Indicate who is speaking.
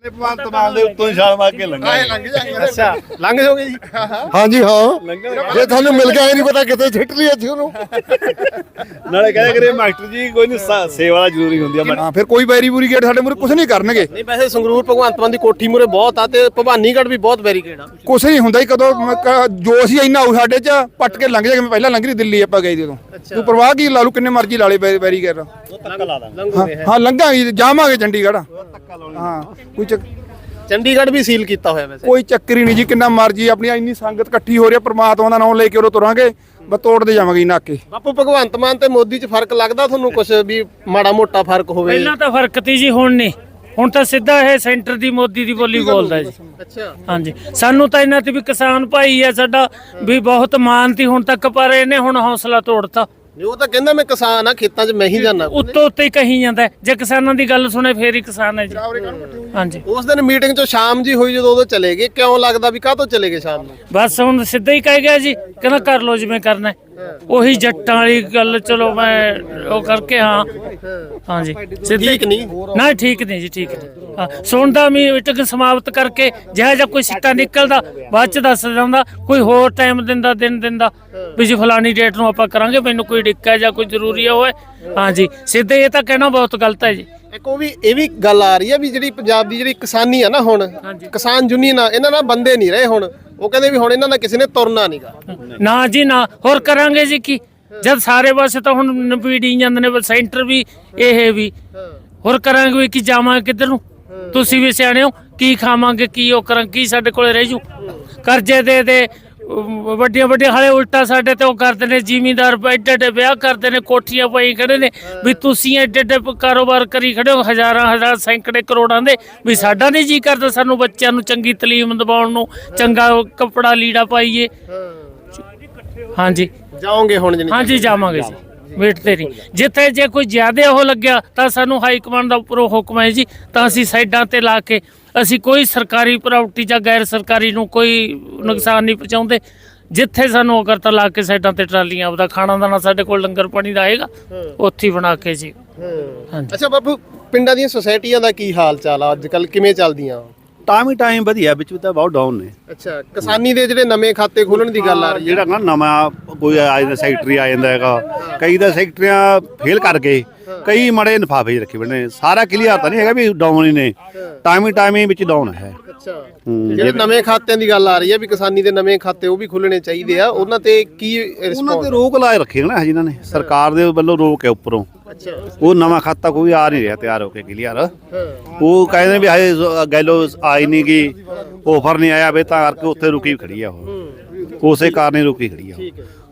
Speaker 1: ਭਗਵੰਤ ਮਾਨ ਦੇ ਉੱਤੋਂ ਹੀ ਛਾਲ ਮਾਰ ਕੇ ਲੰਘਾ
Speaker 2: ਅੱਛਾ ਲੰਘ ਜਾਓਗੇ ਜੀ
Speaker 3: ਹਾਂਜੀ ਹਾਂ ਜੇ ਤੁਹਾਨੂੰ ਮਿਲ ਗਿਆ ਇਹ ਨਹੀਂ ਪਤਾ ਕਿਤੇ ਛਿੱਟ ਲਈ ਅਸੀਂ ਉਹਨੂੰ
Speaker 1: ਨਾਲੇ ਕਹਿੰਦੇ ਕਰੇ ਮਾਸਟਰ ਜੀ ਕੋਈ ਨਹੀਂ ਸੇਵਾ ਜ਼ਰੂਰੀ ਹੁੰਦੀ ਆ
Speaker 3: ਹਾਂ ਫਿਰ ਕੋਈ ਬੈਰੀਗੇਟ ਸਾਡੇ ਮੂਰੇ ਕੁਝ ਨਹੀਂ ਕਰਨਗੇ
Speaker 2: ਨਹੀਂ ਵੈਸੇ ਸੰਗਰੂਰ ਭਗਵੰਤ ਮਾਨ ਦੀ ਕੋਠੀ ਮੂਰੇ ਬਹੁਤ ਆ ਤੇ ਭਵਾਨੀਗੜ੍ਹ ਵੀ ਬਹੁਤ ਬੈਰੀਕੇਡ ਆ
Speaker 3: ਕੁਛ ਨਹੀਂ ਹੁੰਦਾ ਹੀ ਕਦੋਂ ਜੋ ਅਸੀਂ ਇੰਨਾ ਆਉ ਸਾਡੇ ਚ ਪੱਟ ਕੇ ਲੰਘ ਜਾਗੇ ਪਹਿਲਾਂ ਲੰਘ ਰਹੀ ਦਿੱਲੀ ਆਪਾਂ ਗਏ ਜਦੋਂ ਤੂੰ ਪਰਵਾਹ ਕੀ ਲਾ ਲੂ ਕਿੰਨੇ ਮਰਜ਼ੀ ਲਾ ਲੇ ਬੈਰੀਕੇਡ ਹਾਂ ਲੰਘਾਂਗੇ ਜਾਵਾਂਗੇ ਚੰਡੀਗੜ੍ਹ ਹਾਂ
Speaker 2: ਚੰਡੀਗੜ੍ਹ ਵੀ ਸੀਲ ਕੀਤਾ ਹੋਇਆ ਵੈਸੇ
Speaker 3: ਕੋਈ ਚੱਕਰ ਹੀ ਨਹੀਂ ਜੀ ਕਿੰਨਾ ਮਰਜ਼ੀ ਆਪਣੀ ਇੰਨੀ ਸੰਗਤ ਇਕੱਠੀ ਹੋ ਰਹੀ ਹੈ ਪ੍ਰਮਾਤਮਾ ਦਾ ਨਾਮ ਲੈ ਕੇ ਉਰੋਂ ਤੁਰਾਂਗੇ ਬਸ ਤੋੜਦੇ ਜਾਵਾਂਗੇ ਨਾਕੇ
Speaker 2: ਬਾਪੂ ਭਗਵੰਤ ਮਾਨ ਤੇ ਮੋਦੀ 'ਚ ਫਰਕ ਲੱਗਦਾ ਤੁਹਾਨੂੰ ਕੁਝ ਵੀ ਮਾੜਾ ਮੋਟਾ ਫਰਕ ਹੋਵੇ
Speaker 4: ਪਹਿਲਾਂ ਤਾਂ ਫਰਕ ਤੀ ਜੀ ਹੁਣ ਨਹੀਂ ਹੁਣ ਤਾਂ ਸਿੱਧਾ ਇਹ ਸੈਂਟਰ ਦੀ ਮੋਦੀ ਦੀ ਬੋਲੀ ਬੋਲਦਾ ਜੀ
Speaker 2: ਅੱਛਾ
Speaker 4: ਹਾਂਜੀ ਸਾਨੂੰ ਤਾਂ ਇਹਨਾਂ ਤੇ ਵੀ ਕਿਸਾਨ ਭਾਈ ਆ ਸਾਡਾ ਵੀ ਬਹੁਤ ਮਾਨ ਤੀ ਹੁਣ ਤੱਕ ਪਰ ਇਹਨੇ ਹੁਣ ਹੌਸਲਾ ਤੋੜਤਾ
Speaker 2: ਉਹ ਤਾਂ ਕਹਿੰਦਾ ਮੈਂ ਕਿਸਾਨ ਆ ਖੇਤਾਂ 'ਚ ਮੈਂ ਹੀ ਜਾਣਾ
Speaker 4: ਉੱਤੋਂ ਉੱਤੇ ਹੀ ਕਹੀ ਜਾਂਦਾ ਜੇ ਕਿਸਾਨਾਂ ਦੀ ਗੱਲ ਸੁਣੇ ਫੇਰ ਹੀ ਕਿਸਾਨ ਹੈ ਜੀ ਹਾਂਜੀ
Speaker 2: ਉਸ ਦਿਨ ਮੀਟਿੰਗ 'ਚ ਸ਼ਾਮ ਜੀ ਹੋਈ ਜਦੋਂ ਉਦੋਂ ਚਲੇ ਗਏ ਕਿਉਂ ਲੱਗਦਾ ਵੀ ਕਾਹਤੋਂ ਚਲੇ ਗਏ ਸ਼ਾਮ ਨੂੰ
Speaker 4: ਬਸ ਹੁਣ ਸਿੱਧਾ ਹੀ ਕਹਿ ਗਿਆ ਜੀ ਕਹਿੰਦਾ ਕਰ ਲੋ ਜਿਵੇਂ ਕਰਨਾ ਉਹੀ ਜੱਟਾਂ ਵਾਲੀ ਗੱਲ ਚਲੋ ਮੈਂ ਉਹ ਕਰਕੇ ਹਾਂਜੀ
Speaker 2: ਠੀਕ ਨਹੀਂ
Speaker 4: ਨਾ ਠੀਕ ਨਹੀਂ ਜੀ ਠੀਕ ਨਹੀਂ ਹਾਂ ਸੁਣਦਾ ਮੀਟਿੰਗ ਸਮਾਪਤ ਕਰਕੇ ਜਿਹੜਾ ਜਾਂ ਕੋਈ ਸਿੱਟਾ ਨਿਕਲਦਾ ਬਾਅਦ ਚ ਦੱਸ ਦਿੰਦਾ ਕੋਈ ਹੋਰ ਟਾਈਮ ਦਿੰਦਾ ਦਿਨ ਦਿੰਦਾ ਵੀ ਜੀ ਫਲਾਨੀ ਡੇਟ ਨੂੰ ਆਪਾਂ ਕਰਾਂਗੇ ਮੈਨੂੰ ਕੋਈ ਡਿੱਕਾ ਜਾਂ ਕੋਈ ਜ਼ਰੂਰੀ ਹੋਵੇ ਹਾਂਜੀ ਸਿੱਧੇ ਇਹ ਤਾਂ ਕਹਿਣਾ ਬਹੁਤ ਗਲਤ ਹੈ ਜੀ
Speaker 2: ਇੱਕ ਉਹ ਵੀ ਇਹ ਵੀ ਗੱਲ ਆ ਰਹੀ ਹੈ ਵੀ ਜਿਹੜੀ ਪੰਜਾਬ ਦੀ ਜਿਹੜੀ ਕਿਸਾਨੀ ਆ ਨਾ ਹੁਣ ਕਿਸਾਨ ਯੂਨੀਅਨ ਆ ਇਹਨਾਂ ਨਾਲ ਬੰਦੇ ਨਹੀਂ ਰਹੇ ਹੁਣ ਉਹ ਕਹਿੰਦੇ ਵੀ ਹੁਣ ਇਹਨਾਂ ਨਾਲ ਕਿਸੇ ਨੇ ਤੁਰਨਾ ਨਹੀਂਗਾ
Speaker 4: ਨਾ ਜੀ ਨਾ ਹੋਰ ਕਰਾਂਗੇ ਜੀ ਕੀ ਜਦ ਸਾਰੇ ਪਾਸੇ ਤਾਂ ਹੁਣ ਨਪੀੜੀ ਜਾਂਦੇ ਨੇ ਸੈਂਟਰ ਵੀ ਇਹ ਵੀ ਹੋਰ ਕਰਾਂਗੇ ਵੀ ਕੀ ਜਾਵਾਂਗੇ ਕਿੱਧਰ ਨੂੰ ਤੁਸੀਂ ਵੀ ਸਿਆਣੇ ਹੋ ਕੀ ਖਾਵਾਂਗੇ ਕੀ ਉਹ ਕਰਾਂ ਕੀ ਸਾਡੇ ਕੋਲੇ ਰਹਿ ਜੂ ਕਰਜ਼ੇ ਦੇ ਵੱਡੀਆਂ ਵੱਡੀਆਂ ਹਾਲੇ ਉਲਟਾ ਸਾਡੇ ਤੇ ਉਹ ਕਰਦੇ ਨੇ ਜ਼ਿਮੀਂਦਾਰ ਐਡੇ ਐਡੇ ਵਿਆਹ ਕਰਦੇ ਨੇ ਕੋਠੀਆਂ ਪਾਈ ਖੜੇ ਨੇ ਵੀ ਤੁਸੀਂ ਐਡੇ ਐਡੇ ਕਾਰੋਬਾਰ ਕਰੀ ਖੜੇ ਹੋ ਹਜ਼ਾਰਾਂ ਸੈਂਕੜੇ ਕਰੋੜਾਂ ਦੇ ਵੀ ਸਾਡਾ ਨਹੀਂ ਜੀ ਕਰਦਾ ਸਾਨੂੰ ਬੱਚਿਆਂ ਨੂੰ ਚੰਗੀ ਤਾਲੀਮ ਦਿਵਾਉਣ ਨੂੰ ਚੰਗਾ ਕੱਪੜਾ ਲੀੜਾ ਪਾਈਏ ਹਾਂਜੀ
Speaker 2: ਜਾਓਗੇ ਹੁਣ
Speaker 4: ਹਾਂਜੀ ਜਾਵਾਂਗੇ ਜੀ ਵੇਟ ਤੇ ਨਹੀਂ ਜਿੱਥੇ ਜੇ ਕੋਈ ਜ਼ਿਆਦਾ ਉਹ ਲੱਗਿਆ ਤਾਂ ਸਾਨੂੰ ਹਾਈ ਕਮਾਂਡ ਦਾ ਉੱਪਰੋਂ ਹੁਕਮ ਹੈ ਜੀ ਤਾਂ ਅਸੀਂ ਸਾਈਡਾਂ ਤੇ ਲਾ ਕੇ ਅਸੀਂ ਕੋਈ ਸਰਕਾਰੀ ਪ੍ਰਾਪਰਟੀ ਜਾਂ ਗੈਰ ਸਰਕਾਰੀ ਨੂੰ ਕੋਈ ਨੁਕਸਾਨ ਨਹੀਂ ਪਹੁੰਚਾਉਂਦੇ ਜਿੱਥੇ ਸਾਨੂੰ ਉਹ ਕਰਤਾ ਲਾ ਕੇ ਸਾਈਡਾਂ ਤੇ ਟਰਾਲੀਆਂ ਆਪਦਾ ਖਾਣਾ ਦਾਣਾ ਸਾਡੇ ਕੋਲ ਲੰਗਰ ਪਾਣੀ ਦਾ ਆਏਗਾ ਉੱਥੇ ਬਣਾ ਕੇ ਜੀ ਹਾਂਜੀ
Speaker 2: ਅੱਛਾ ਬਾਪੂ ਪਿੰਡਾਂ ਦੀਆਂ ਸੁਸਾਇਟੀਆਂ ਦਾ ਕੀ ਹਾਲ ਚਾਲ ਆ ਅੱਜ ਕੱਲ ਕਿਵੇਂ ਚੱਲਦੀਆਂ
Speaker 1: ਟਾਈਮ ਵਧੀਆ ਵਿੱਚ ਤਾਂ ਬਹੁਤ ਡਾਊਨ ਨੇ
Speaker 2: ਅੱਛਾ ਕਿਸਾਨੀ ਦੇ ਜਿਹੜੇ ਨਵੇਂ ਖਾਤੇ ਖੋਲਣ ਦੀ ਗੱਲ ਆ ਰਹੀ ਹੈ
Speaker 1: ਜਿਹੜਾ ਨਾ ਨਵਾਂ ਕੋਈ ਆ ਜਾਂਦਾ ਸੈਕਟਰੀ ਆ ਜਾਂਦਾ ਹੈਗਾ ਕਈ ਤਾਂ ਸੈਕਟਰੀਆਂ ਫੇਲ ਕਰ ਗਏ ਕਈ ਮੜੇ ਲਿਫਾਫੇ ਰੱਖੇ ਬਣੇ ਸਾਰਾ ਕਲੀਅਰ ਤਾਂ ਨਹੀਂ ਹੈਗਾ ਵੀ ਡਾਊਨ ਹੀ ਨੇ ਟਾਈਮ ਹੀ ਵਿੱਚ ਡਾਊਨ ਹੈ
Speaker 2: ਅੱਛਾ ਜਿਹੜੇ ਨਵੇਂ ਖਾਤਿਆਂ ਦੀ ਗੱਲ ਆ ਰਹੀ ਹੈ ਵੀ ਕਿਸਾਨੀ ਦੇ ਨਵੇਂ ਖਾਤੇ ਉਹ ਵੀ ਖੁੱਲਣੇ ਚਾਹੀਦੇ ਆ ਉਹਨਾਂ ਤੇ ਕੀ
Speaker 1: ਉਹਨਾਂ ਤੇ ਰੋਕ ਲਾਏ ਰੱਖੇ ਨਾ ਜਿਨ੍ਹਾਂ ਨੇ ਸਰਕਾਰ ਦੇ ਵੱਲੋਂ ਰੋਕ ਹੈ ਉੱਪਰੋਂ
Speaker 2: ਅੱਛਾ
Speaker 1: ਉਹ ਨਵਾਂ ਖਾਤਾ ਕੋਈ ਆ ਨਹੀਂ ਰਿਹਾ ਤਿਆਰ ਹੋ ਕੇ ਕਲੀਅਰ ਉਹ ਕਹਿੰਦੇ ਵੀ ਹਜੇ ਗੈਲੋ ਆਈ ਨਹੀਂ ਗਈ ਆਫਰ ਨਹੀਂ ਆਇਆ ਵੇ ਤਾਂ ਕਰਕੇ ਉੱਥੇ ਰੁਕੀ ਖੜੀ ਆ ਉਹ ਉਸੇ ਕਾਰਨ ਹੀ ਰੁਕੀ ਖੜੀ ਆ